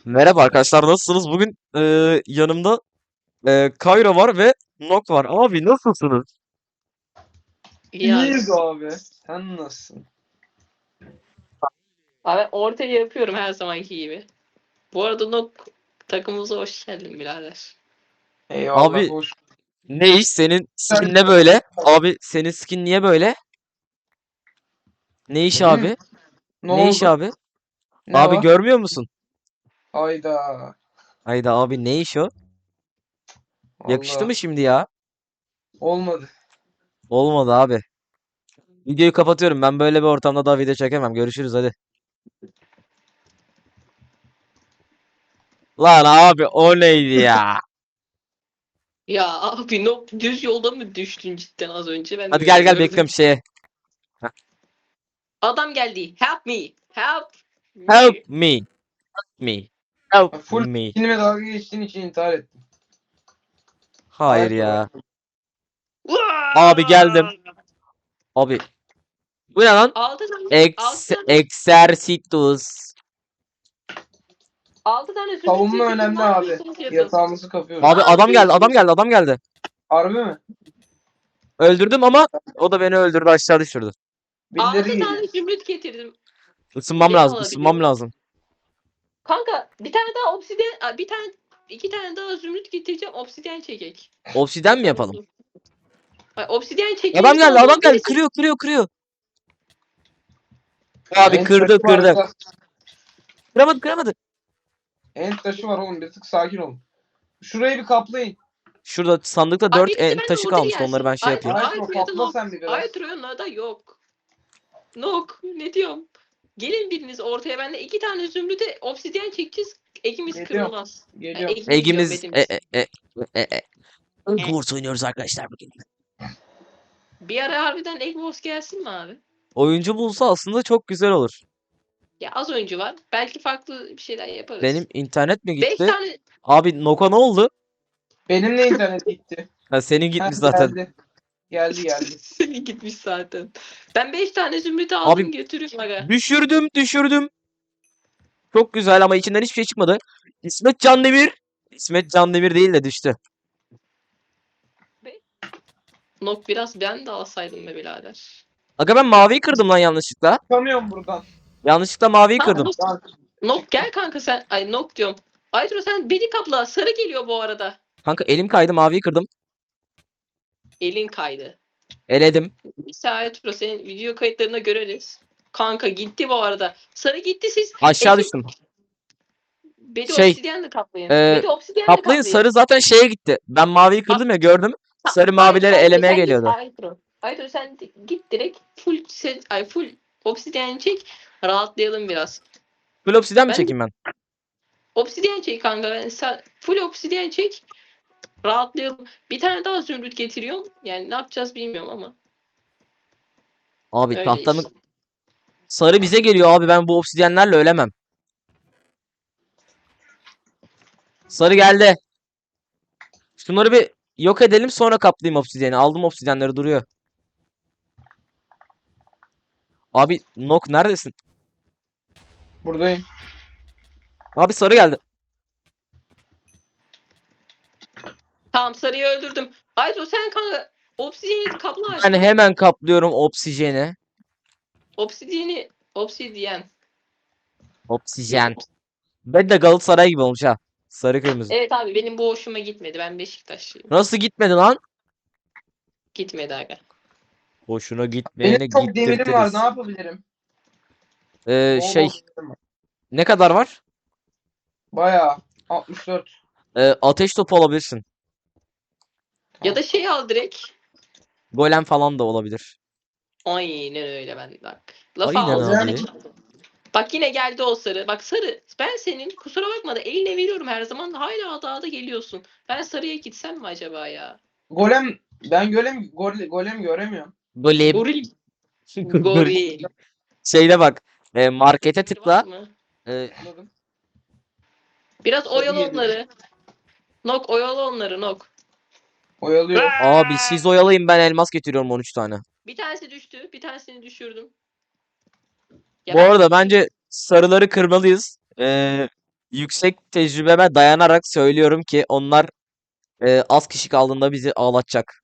Merhaba arkadaşlar, nasılsınız? Bugün yanımda Kayra var ve Nok var. Abi nasılsınız? İyi abi. İyiyiz abi. Sen nasılsın? Abi ortaya yapıyorum her zamanki gibi. Bu arada Nok takımımıza hoş geldin birader. Eyvallah, Abi hoş. ne iş? Senin skin ne böyle? Abi senin skin niye böyle? Ne iş Benim mi? abi? Ne Ne iş oldu? abi? Ne Abi var? görmüyor musun? Hayda. Hayda abi, ne iş o? Yakıştı Vallahi mı şimdi ya? olmadı. Olmadı abi. Videoyu kapatıyorum. Ben böyle bir ortamda daha video çekemem. Görüşürüz hadi. Lan abi o neydi ya? Ya abi Nok düz yolda mı düştün cidden az önce? Ben Hadi de öyle gel gel, gördüm. bekliyorum şeye. Adam geldi. Help me. Help Help me. me. Me. Help Full me. skinime dalga geçtiğin için intihar ettim. Hayır Hayırdır ya. abi? Abi geldim. Abi bu ne lan? Altı tane, altı Ex tane, Exercitus. altı tane zümrüt Savunma getirdim. Ne önemli abi. yapıyorsunuz yazın. Yatağımızı Ne kapıyoruz. Abi adam geldi, adam yapıyorsunuz? geldi, adam geldi. Harbi mi? Öldürdüm ama o da beni öldürdü, aşağı düşürdü. Birileri Altı geliyor. tane zümrüt getirdim. Isınmam Beni lazım, alabiliyor ısınmam mu? lazım. Kanka bir tane daha obsidyen, bir tane, iki tane daha zümrüt getireceğim. Obsidyen çekek. Obsiden mi Tamam yapalım? dur. Ay, obsidyen Adam çekmemiz geldi, lazım adam ama geldi. birisi... Kırıyor, kırıyor, kırıyor. Abi Ent taşı kırdı, var kırdı. burada. Kıramadı, kıramadı. Ent taşı var oğlum. Bir tık sakin olun. Şurayı bir kaplayın. Şurada sandıkta Ay 4 birisi taşı benden order kalmıştı. Onları ben gelsin. şey Ay, yapayım. Maestro Aytro ya da kapla Nok. sen bir biraz. Aytro'ya da yok. Nok. Ne diyorum? Gelin biriniz ortaya. Ben de iki tane zümrüte obsidyen çekeceğiz. Ekimiz Geliyorum. kırılmaz. Yani Geliyorum. ekimiz diyorum Egimiz betimiz. Egg Wars oynuyoruz arkadaşlar bugün. Bir ara harbiden Egg Wars gelsin mi abi? Oyuncu bulsa aslında çok güzel olur. Ya az oyuncu var. Belki farklı bir şeyler Benim yaparız. internet mi Beş gitti? tane Abi Noka ne oldu? Benim de internet gitti. Ha, senin Ha, gitmiş zaten. geldi. Geldi geldi. Senin gitmiş zaten. Ben 5 tane zümrüt Abi aldım götürüyorum aga. düşürdüm, düşürdüm. Çok güzel ama içinden hiçbir şey çıkmadı. İsmet Candemir. İsmet Candemir değil de düştü. Nok biraz ben de alsaydım be birader. Aga ben maviyi kırdım lan yanlışlıkla. Çıkamıyorum buradan. Yanlışlıkla maviyi Tamam kırdım. Nok, Lan, Nok gel kanka sen. Ay Nok diyorum. Aytro sen beni kapla. Sarı geliyor bu arada. Kanka elim kaydı, maviyi kırdım. Elin kaydı. Eledim. Neyse Aytro senin video kayıtlarına göreriz. Kanka gitti bu arada. Sarı gitti siz. Aşağı Ekip düştüm. Bedi Şey obsidyenle kaplayın. e, Bedi obsidyenle kaplayın, kaplayın. sarı zaten şeye gitti. Ben maviyi Ah, kırdım ya, gördüm. Sarı Hayır, mavileri Aytro elemeye sen git geliyordu. Aytro. Aytro sen git direkt full set, ay full obsidyen çek. Rahatlayalım biraz. Full obsiden mi Ben çekeyim ben? obsidyen çek kanka. Ben sen full obsidyen çek. Rahatlayalım. Bir tane daha zümrüt getiriyorum. Yani ne yapacağız bilmiyorum ama. Abi tahtanın Öyleyiz. sarı bize geliyor abi, ben bu obsidyenlerle ölemem. Sarı geldi. Şunları bir yok edelim, sonra kaplayayım obsidyeni. Aldım obsidyenleri, duruyor. Abi Nok neredesin? buradayım. Abi sarı geldi. Tamam sarıyı öldürdüm. Ayto sen kanka obsidyeni kapla Ben Ayto. hemen kaplıyorum obsijeni. Obsidyen. Yok. Oksijen. Ben de Galatasaray gibi olmuş ha. Sarı kırmızı. Evet abi benim bu hoşuma gitmedi. Ben Beşiktaşlıyım. Nasıl gitmedi lan? Gitmedi aga. Hoşuna Benim gitmeyene çok demirim var. Ne gittirtiriz. yapabilirim? Bol Şey bol demirim var. ne kadar var? Bayağı. 64. Ateş topu alabilirsin. Ya da şey al direkt. Golem falan da olabilir. Aynen öyle ben bak. Lafı Aynen ağzımdan abi. açıldı. Bak yine geldi o sarı. Bak sarı. Ben senin kusura bakma da eline veriyorum her zaman. Hala dağda geliyorsun. Ben sarıya gitsem mi acaba ya? Golem. Ben golem göremiyorum. Golem. Goril. Goril. Goril. Şeyde bak. Markete Bir var tıkla. mı? E, Anladım. Biraz Sarı oyalı geliyor. onları. Nok oyalı onları Nok. Oyalıyorum. abi siz oyalayın, ben elmas getiriyorum 13 tane. Bir tanesi düştü. Bir tanesini düşürdüm. Ya Bu ben arada bence sarıları kırmalıyız. yüksek tecrübeme dayanarak söylüyorum ki onlar az kişi kaldığında bizi ağlatacak.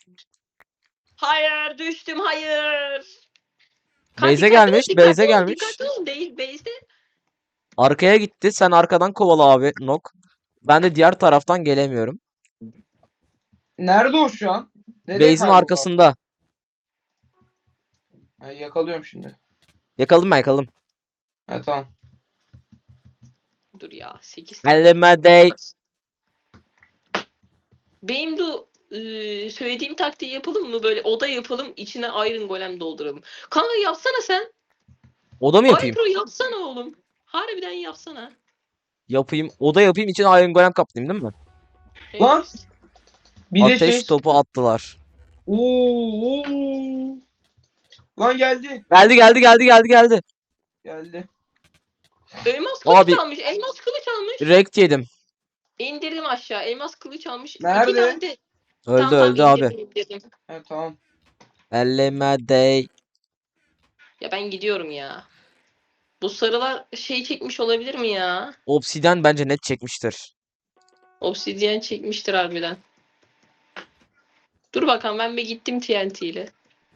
Hayır düştüm hayır. Beyze Dikkatli ol gelmiş, dikkatli Beyze ol gelmiş. dikkatli ol değil base'de. Arkaya gitti. Sen arkadan kovala abi Nok. Ben de diğer taraftan gelemiyorum. Nerede o şu an? Nereye Base'in kayboldu? arkasında. Ha, yakalıyorum şimdi. Yakaladım ben yakaladım. Ha tamam. Dur ya 8 tane. Elleme dey. Benim de söylediğim taktiği yapalım mı? Böyle oda yapalım, içine Iron Golem dolduralım. Kanka yapsana sen. Oda mı yapayım? Aypro yapsana oğlum. Harbiden yapsana. Yapayım. Oda yapayım için Iron Golem kaplayayım değil mi? Lan! Evet. Bir de Ateş şey. topu attılar. Oo. Lan geldi. Geldi. Geldi. Elmas kılıç Abi almış. Elmas kılıç almış. rekt yedim. İndirdim aşağı. Elmas kılıç almış. Nerede? İki tane de Öldü tamam öldü abi. indirdim. Ha tamam. Elleme dey. Ya ben gidiyorum ya. Bu sarılar şey çekmiş olabilir mi ya? Obsidian bence net çekmiştir. Obsidian çekmiştir harbiden. Dur bakalım ben bir gittim TNT ile.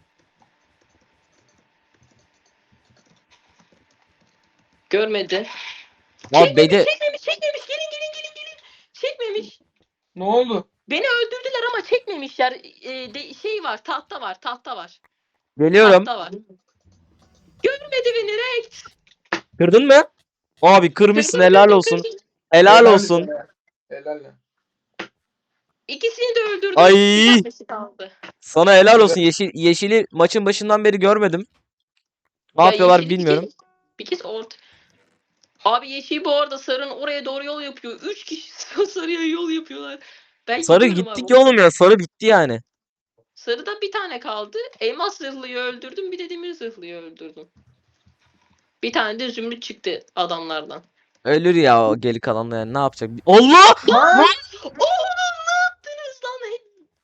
Görmedi. Abi Beyde Çekmemiş. Gelin. Çekmemiş. Ne oldu? Beni öldürdüler ama çekmemişler. Şey var, tahta var. geliyorum. Tahta var. Görmedi beni Rekt. Kırdın mı? Abi kırmışsın Kırdım, helal kırdım, olsun. kırdım. Helal olsun. Helal. İkisini de öldürdüm. Ay. Bir tanesi kaldı. Sana helal olsun. Yeşili maçın başından beri görmedim. Ne Ya yapıyorlar yeşil bilmiyorum. bir kez Abi yeşil bu arada sarının oraya doğru yol yapıyor. 3 kişi sarıya yol yapıyorlar. Ben Sarı gidiyorum gittik abi. ya oğlum ya. Sarı bitti yani. Sarıda bir tane kaldı. Elmas zırhlıyı öldürdüm. Bir de demir zırhlıyı öldürdüm. Bir tane de zümrüt çıktı adamlardan. Ölür ya o geri kalanla yani ne yapacak? Allah! Ha? Oğlum ne yaptınız lan?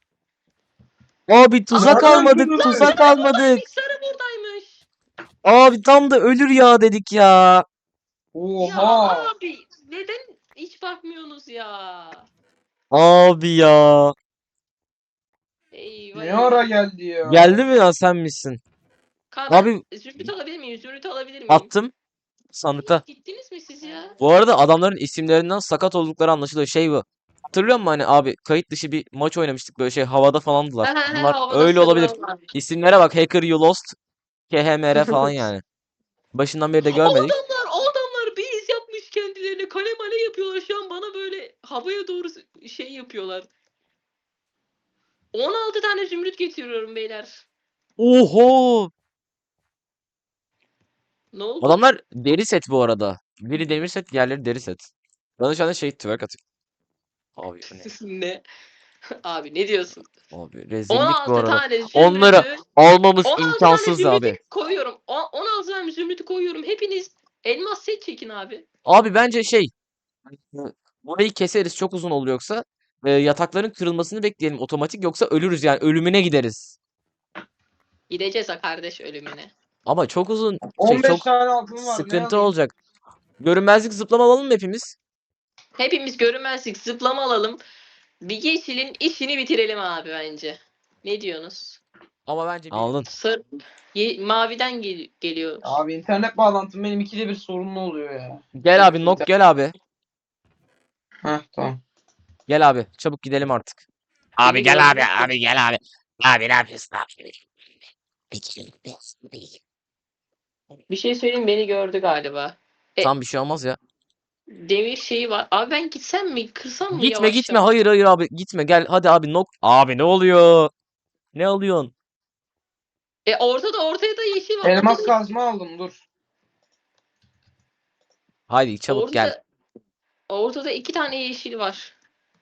Abi tuzak Nereden almadık, kırdın? tuzak almadık. Sarı buradaymış. Abi tam da ölür ya dedik ya. Ya Oha. abi neden hiç bakmıyorsunuz ya? Abi ya. Eyvah Ne eyvah. ara geldi ya? Geldi mi ya sen misin? Kanka Abi zümrüt alabilir miyim? Zümrüt alabilir miyim? attım sandıkta. Gittiniz mi siz ya? Bu arada adamların isimlerinden sakat oldukları anlaşılıyor. Şey bu. Hatırlıyor musun hani abi kayıt dışı bir maç oynamıştık böyle şey havada falandılar. Bunlar Havada öyle olabilir. sarılar var. İsimlere bak Hacker You Lost, KHMR falan yani. Başından beri de görmedik. O adamlar bir iz yapmış kendilerine. Kale male yapıyorlar. Şu an bana böyle havaya doğru şey yapıyorlar. 16 tane zümrüt getiriyorum beyler. Oho! Ne oldu? Adamlar deri set bu arada. Biri demir set, diğerleri deri set. Bana şu anda şey twerk atıyor. Abi bu ne? Ne? Abi ne diyorsun? Abi rezillik bu 16 arada. tane zümrütü. Onları almamız 16 tane imkansız zümrütü abi. koyuyorum. 16 tane zümrütü koyuyorum. Hepiniz elmas set çekin abi. Abi bence şey burayı keseriz çok uzun olur yoksa yatakların kırılmasını bekleyelim otomatik yoksa ölürüz yani ölümüne gideriz. Gideceğiz ha kardeş ölümüne. Ama çok uzun şey 15 çok tane altın var. sıkıntı olacak. Görünmezlik zıplama alalım mı hepimiz? Hepimiz görünmezlik zıplama alalım. Bir yeşilin işini bitirelim abi bence. Ne diyorsunuz? Ama bence aldın. Maviden geliyor. Abi internet bağlantım benim ikide bir sorunlu oluyor ya. Gel abi Nok gel abi. Heh tamam. Gel abi çabuk gidelim artık. Abi gel abi, abi gel abi. Abi ne yapıyorsun abi? Bir şey söyleyeyim beni gördü galiba. Tam bir şey olmaz ya. Demir şeyi var. Abi ben gitsem mi? Kırsam mı Gitme yavaş gitme yavaş? hayır abi gitme gel hadi abi Nok. Abi ne oluyor? Ne alıyorsun? Ortaya da yeşil var. Elmas Ortada, kazma aldım dur. Haydi çabuk gel. ortada 2 tane yeşil var.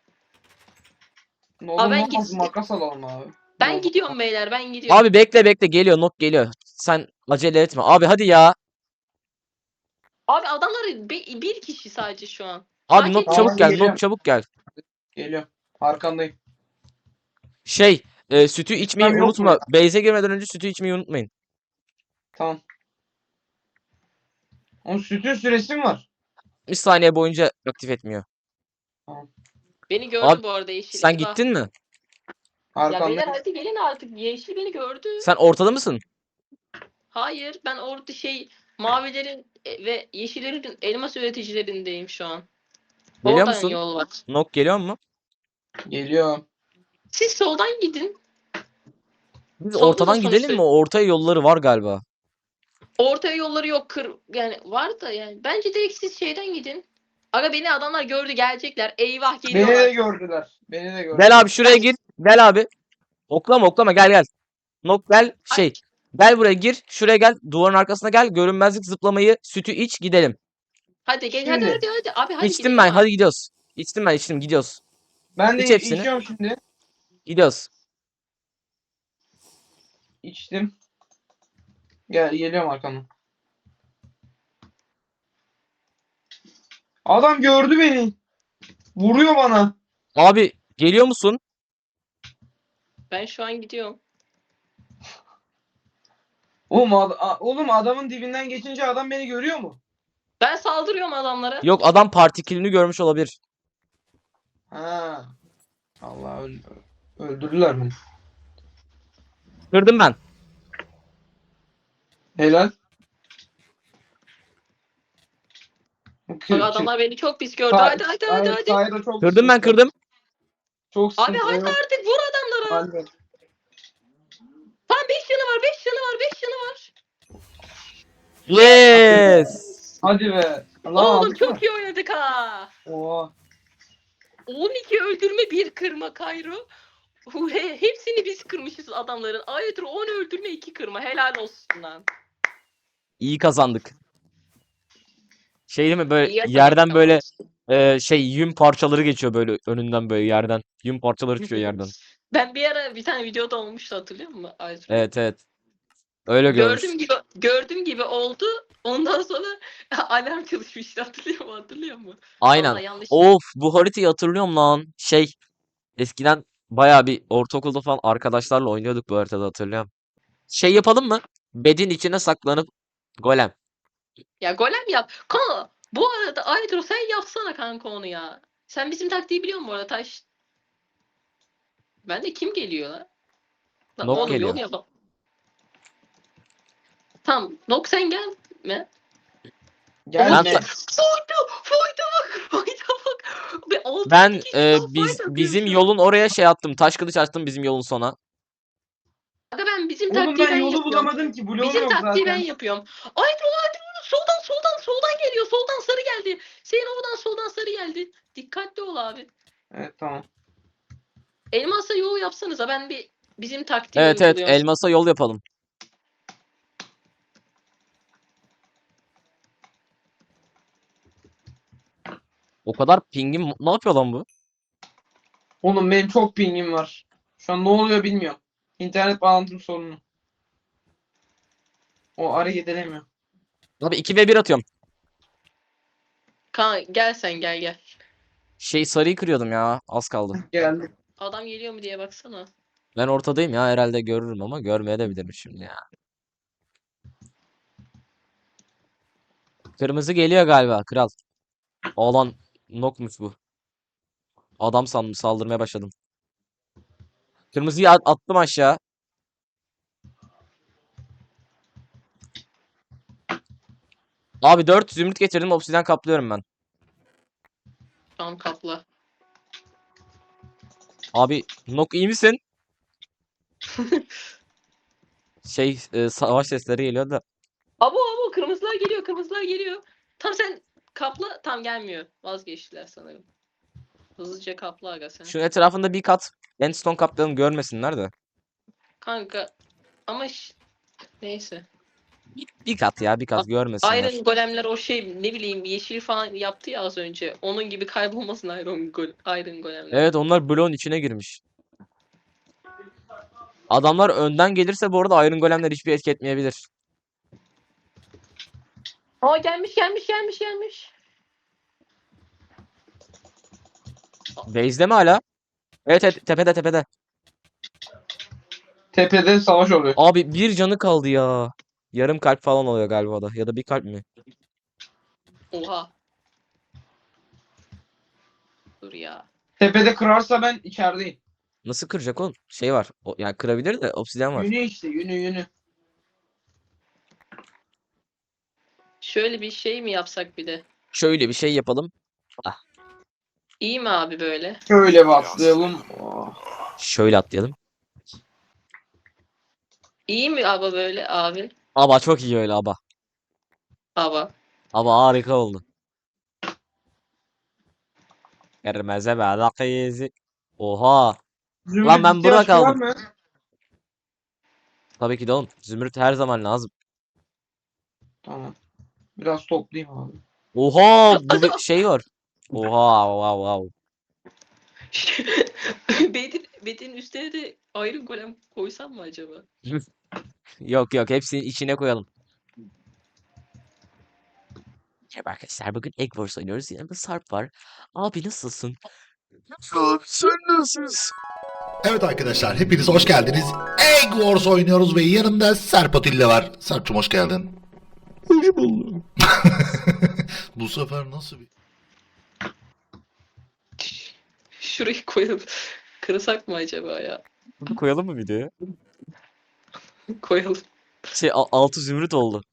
Ne Abi olur ben ne olmaz git- makas alalım abi. Ben Ne olur. gidiyorum beyler ben gidiyorum. Abi bekle geliyor Nok geliyor. Sen acele etme. Abi hadi ya. Abi adamlar bir kişi sadece şu an. Abi Fark Nok etmez. çabuk gel. Geliyorum. Nok çabuk gel. Geliyorum. Arkandayım. Şey sütü içmeyi Yok mu unutma. ya? Base'e girmeden önce sütü içmeyi unutmayın. Tamam. Onun sütün süresi mi var? 60 saniye boyunca aktif etmiyor. Beni gördü Abi bu arada yeşil. sen Eyvah. gittin mi? Ya Arkanda. beyler hadi gelin artık. Yeşil beni gördü. Sen ortada mısın? Hayır ben orada mavilerin ve yeşillerin elmas üreticilerindeyim şu an. Geliyor Oradan musun? yol var. Nok geliyor mu? Geliyor. Siz soldan gidin. Biz Solda da ortadan gidelim sonuçta mi? Ortaya yolları var galiba. ortaya yolları yok yani var da yani. Bence direkt siz şeyden gidin. Aga beni adamlar gördü gelecekler. Eyvah Beni de geliyorlar. gördüler. Beni de gördüler. Gel abi şuraya gir. Gel abi. Oklama gel gel. Nok gel Ay. Gel buraya gir. Şuraya gel. Duvarın arkasına gel. Görünmezlik zıplamayı sütü iç gidelim. Hadi gel Şimdi. hadi. Abi hadi İçtim gidelim ben. abi. Hadi gidiyoruz. İçtim ben içtim gidiyoruz. Ben de İç hepsini. içiyorum şimdi. Gidiyoruz. İçtim. Geliyorum arkandan. Adam gördü beni. Vuruyor bana. Abi geliyor musun? Ben şu an gidiyorum. Oğlum adamın dibinden geçince adam beni görüyor mu? Ben saldırıyorum adamlara. Yok adam partikülünü görmüş olabilir. Ha. Allah öldürdüler beni. Kırdım ben. Helal. Bak adamlar beni çok pis gördü. Sa- Hadi. Sayda çok Kırdım ben sıkıntı. kırdım. Çok Abi sıkıntı. hadi artık vur adamlara. Hadi. Tam 5 canı var 5 canı var 5 canı var. Yes. Hadi be. Lan Oğlum aldık mı? çok iyi oynadık ha. Oha. 12 öldürme 1 kırma Kayro. Hepsini biz kırmışız adamların. Ayrıca 10 öldürme 2 kırma. Helal olsun lan. İyi kazandık. Şey değil mi böyle İyi yapalım yerden ama. böyle yün parçaları geçiyor böyle önünden böyle yerden. Yün parçaları çıkıyor yerden. Ben bir ara bir tane videoda olmuştu hatırlıyor musun? Ayrıca. Evet. Öyle görmüş. Gördüğüm gibi oldu. Ondan sonra alarm çalışmıştı hatırlıyor musun? Aynen. Vallahi yanlış. Of bu haritayı hatırlıyorum lan. Eskiden bayağı bir ortaokulda falan arkadaşlarla oynuyorduk bu haritada hatırlıyorum. Şey yapalım mı? Bedin içine saklanıp golem. Ya golem yap. Kanka bu arada Aydro sen yapsana kanka onu ya. Sen bizim taktiği biliyor musun bu arada Taş? Ben de kim geliyor lan? Lan Nok oğlum geliyor. yol yapalım. Tamam. Nok sen gelme. Gelme. Ben- Fayda bak. Fayda bak. Bir altı Ben kişi daha fight bizim atıyor şu an. yolun oraya şey attım. Taş kılıç attım bizim yolun sona. Aga ben bizim Oğlum taktiği ben ben yolu yapıyorum. bulamadım ki. Bloğum Bizim yok taktiği ben zaten. yapıyorum. Aydro soldan geliyor. Soldan sarı geldi. Senin oradan soldan sarı geldi. Dikkatli ol abi. Evet tamam. Elmas'a yol yapsanıza ben bizim taktiği Evet uyguluyorum. elmasa yol yapalım. O kadar pingim ne yapıyor lan bu? Oğlum benim çok pingim var. Şu an ne oluyor bilmiyorum. İnternet bağlantım sorunu. O hareket edemiyor. Abi 2v1 atıyorum. Gel sen gel. Sarıyı kırıyordum ya. Az kaldı. Geldi. Adam geliyor mu diye baksana. Ben ortadayım ya herhalde görürüm ama görmeye de bilirim şimdi ya. Kırmızı geliyor galiba kral. Alan nokmuş bu. Adam sandım saldırmaya başladım. Kırmızıyı attım aşağı. Abi 4 zümrüt getirdim obsidyen kaplıyorum ben. Tamam kapla. Abi nok iyi misin? Savaş sesleri geliyor da. Abo kırmızılar geliyor. Tam sen kapla tam gelmiyor. Vazgeçtiler sanırım. Hızlıca kapla aga sen. Şu etrafında bir kat endstone kaplayalım görmesinler de. Kanka ama neyse. Bir kat ya bir kat görmesinler. Iron golemler ne bileyim yeşil falan yaptı ya az önce. Onun gibi kaybolmasın Iron golemler. Evet onlar bloğun içine girmiş. Adamlar önden gelirse bu arada Iron Golemler hiçbir etki etmeyebilir. Aa gelmiş. Base'de mi hala? Evet tepede. Tepede savaş oluyor. Abi bir canı kaldı ya. Yarım kalp falan oluyor galiba da. Ya da bir kalp mi? Oha. Dur ya. Tepede kırarsa ben içerideyim. Nasıl kıracak oğlum? Şey var. O, yani kırabilir de obsidyen var. Yünü işte yünü. Şöyle bir şey mi yapsak bir de? Şöyle bir şey yapalım. Ah, İyi mi abi böyle? Şöyle bastıralım. Oh. şöyle atlayalım. İyi mi abi böyle abi? Aba çok iyi öyle aba. Aba. Aba harika oldu. Kırmızı balık izi. Oha. Lan Zümrüt ben burada ihtiyaç var kaldım. mı? Tabii ki de oğlum. Zümrüt her zaman lazım. Tamam. Biraz toplayayım abi. Oha bu bir şey var. Oha wow wow. Bedin üstüne de Iron Golem koysam mı acaba? Yok yok hepsini içine koyalım. Merhaba arkadaşlar bugün Egg Wars oynuyoruz. Yanımda Sarp var. Abi nasılsın? Abi sen nasılsın? Evet arkadaşlar hepiniz hoş geldiniz. Egg Wars oynuyoruz ve yanımda Serp Atilla var. Serp'cum hoş geldin. Hoş buldum. Bu sefer nasıl bir... Şurayı koyalım. Kırsak mı acaba ya? Bunu koyalım mı videoya? Koyalım. Şey altı zümrüt oldu.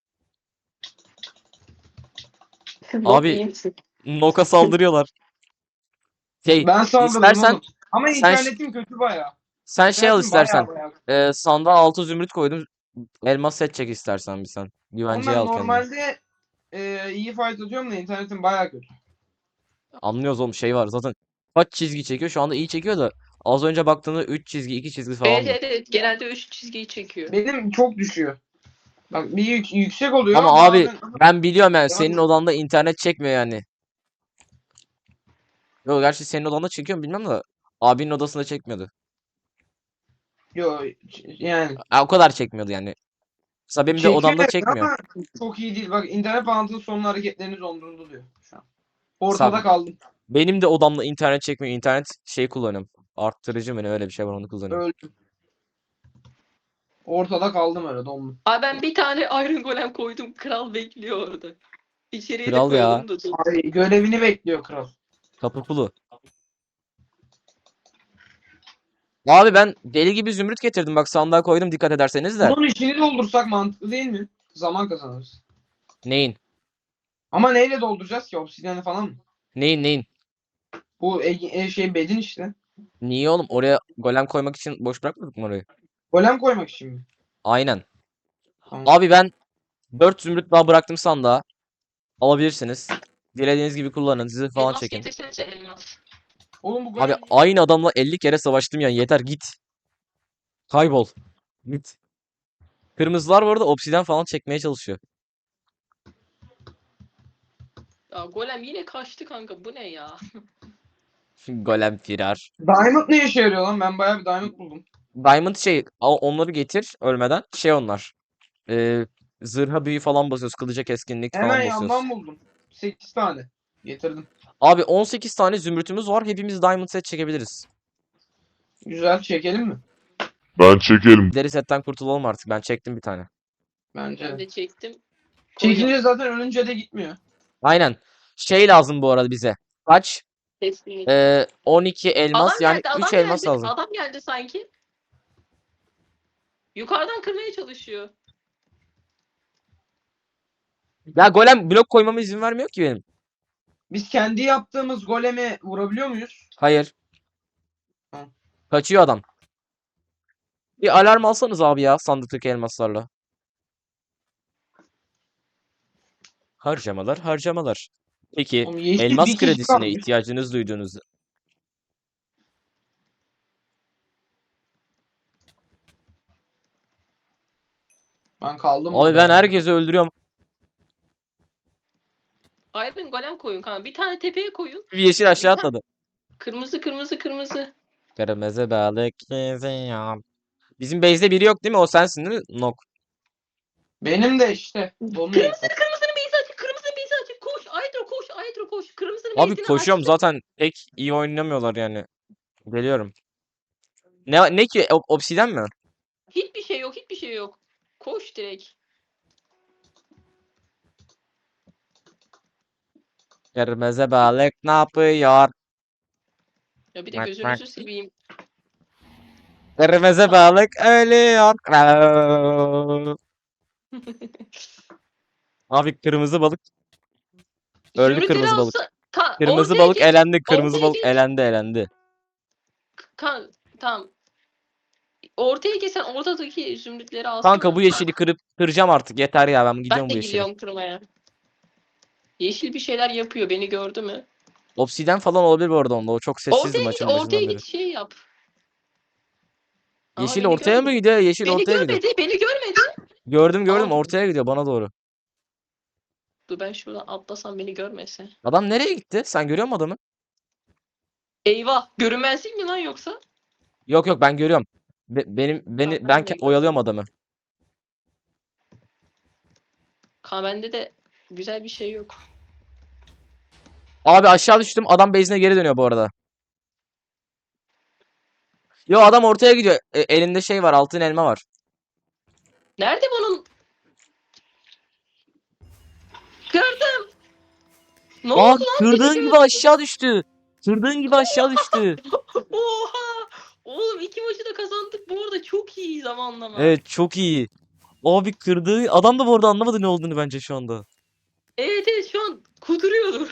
Bok Abi iyi misin? Noka saldırıyorlar. Şey Ben saldırdım istersen oğlum. Ama sen internetim kötü bayağı. sen şey al İnternetim istersen. bayağı. Sandığa altı zümrüt koydum. Elmas set çek istersen bir sen. Oğlum Güvenceye ben al kendini. normalde iyi fight atıyorum da internetim bayağı kötü. Anlıyoruz oğlum şey var zaten. Kaç çizgi çekiyor? Şu anda iyi çekiyor da az önce baktığında 3 çizgi 2 çizgi Evet falandı. evet genelde 3 çizgiyi çekiyor. Benim çok düşüyor. Bak bir yüksek oluyor Ama abi bazen. ben biliyorum yani senin Yani- odanda internet çekmiyor yani. Yok gerçi senin odanda çekiyor mu bilmem de abinin odasında çekmiyordu. Yo, yani O kadar çekmiyordu yani. Mesela benim de çekiyor odamda evet çekmiyor. ama çok iyi değil. Bak internet bağlantının sonlu hareketleriniz donduruldu diyor şu an. Mesela Ortada kaldım. benim de odamda internet çekmiyor. İnternet şey kullanıyorum. Arttırıcı mı ne öyle bir şey var onu kullanıyorum. Öldüm. Ortada kaldım öyle dondum. Abi ben bir tane Iron Golem koydum. Kral bekliyor orada. İçeriye de Kral ya. koyalım da dur. Ay, görevini bekliyor kral. Kapı pulu. Abi ben deli gibi zümrüt getirdim. Bak sandığa koydum dikkat ederseniz de. Bunun içini doldursak mantıklı değil mi? Zaman kazanırız. Neyin? Ama neyle dolduracağız ki? Obsidiyeni falan mı? Neyin? Bu şey bedin işte. Niye oğlum? Oraya golem koymak için boş bırakmadık mı orayı? Golem koymak için mi? Aynen. Tamam. Abi ben 4 zümrüt daha bıraktım sandığa. Alabilirsiniz. Dilediğiniz gibi kullanın. Sizi falan Elmas çekin. getirsenize elmas. Oğlum bu Abi golem aynı adamla 50 kere savaştım yani. Yeter git. Kaybol. Git. Kırmızılar bu arada obsidyen falan çekmeye çalışıyor. Ya Golem yine kaçtı kanka. Bu ne ya? Golem firar. Diamond ne işe yarıyor lan? Ben bayağı bir diamond buldum. Diamond şey onları getir ölmeden. Şey onlar. Zırha büyü falan basıyoruz. Kılıca keskinlik Hemen falan basıyoruz. yandan buldum. 8 tane. Getirdim. Abi 18 tane zümrütümüz var. Hepimiz diamond set çekebiliriz. Güzel çekelim mi? Ben çekelim. Deri setten kurtulalım artık. Ben çektim bir tane. Bence Ben de. de çektim. Çekince zaten ölünce de gitmiyor. Aynen. Şey lazım bu arada bize. Kaç? Kesinlikle. 12 elmas Adam yani geldi, 3 adam elmas geldi. lazım. Adam geldi sanki. Yukarıdan kırmaya çalışıyor. Ya golem blok koymama izin vermiyor ki benim. Biz kendi yaptığımız goleme vurabiliyor muyuz? Hayır. Hı. Kaçıyor adam. Bir alarm alsanız abi ya sandıktaki elmaslarla. Harcamalar. Peki Oğlum yeşil elmas bir kişi kredisine kalmış. ihtiyacınız duyduğunuz. Ben kaldım Abi burada ben ya. herkesi öldürüyorum. Iron Golem koyun kanka. Bir tane tepeye koyun. Bir yeşil aşağı Bir tane- atladı. Kırmızı kırmızı kırmızı. Kırmızı balık ya. Bizim base'de biri yok değil mi? O sensin değil mi? Nok. Benim de işte. Donuyor. Kırmızının beyzi açık. Kırmızının beyzi açık. Koş. Aydro koş. Aydro koş. Kırmızının Abi beyzini koşuyorum açtı. zaten pek iyi oynamıyorlar yani. Geliyorum. Ne ki obsiden mi? Hiçbir şey yok. Hiçbir şey yok. Koş direkt. Kırmızı balık ne yapıyor? Ya bir de Bak, gözünüzü bak. seveyim. Kırmızı balık ölüyor. Abi kırmızı balık öldü, Zümrütleri kırmızı balık. alsa Kırmızı ortaya balık geç. elendi. Kırmızı Ortaya balık geç. elendi, elendi. Tamam. Ortaya geçsen ortadaki zümrütleri alsana. Kanka bu yeşili kıracağım artık. Yeter ya, ben Ben gidiyorum de bu yeşili. gidiyorum kırmaya. Yeşil bir şeyler yapıyor. Beni gördü mü? Obsiden falan olabilir bu arada onda. O çok sessizdi Ortaya git, maçın ortaya başından beri. git şey yap. Aha Yeşil beni ortaya mı görmedi. gidiyor? Yeşil Beni ortaya gidiyor. görmedi, beni görmedi. Gördüm, Aa, ortaya gidiyor bana doğru. dur ben şuradan atlasam beni görmese. Adam nereye gitti? Sen görüyor musun adamı? Eyvah, görünmezlik mi lan yoksa? Yok, ben görüyorum. Tamam, ben de oyalıyorum görmedim. adamı. Bende de güzel bir şey yok. Abi aşağı düştüm. Adam base'ine geri dönüyor bu arada. Yo, adam ortaya gidiyor. Elinde şey var, altın elma var. Nerede bunun? Kırdım. Ne Aa, oldu lan? Beni kırdığın gibi görmedi. aşağı düştü. Kırdığın gibi aşağı düştü. Oha! Oğlum 2 maçı da kazandık. Bu arada çok iyi zamanlama. Evet, çok iyi. Abi kırdığı adam da bu arada anlamadı ne olduğunu bence şu anda. Evet şu an kuduruyordur.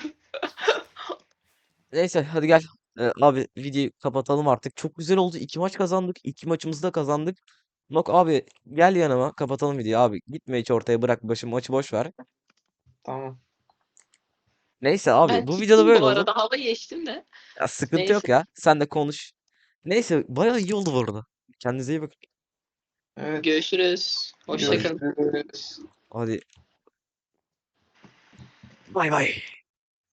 Neyse hadi gel. Abi videoyu kapatalım artık. Çok güzel oldu. 2 maç kazandık. 2 maçımızı da kazandık. Nok abi gel yanıma kapatalım videoyu abi. Gitme hiç ortaya, bırak başı maçı boş ver. Tamam. Neyse abi Ben bu videoda gittim böyle bu oldu. arada. Hava geçtim de. Ya, sıkıntı yok Neyse. ya. Sen de konuş. Neyse bayağı iyi oldu bu arada. Kendinize iyi bakın. Evet. Görüşürüz. Hoşça kalın. Görüşürüz. Hadi. Bay bay.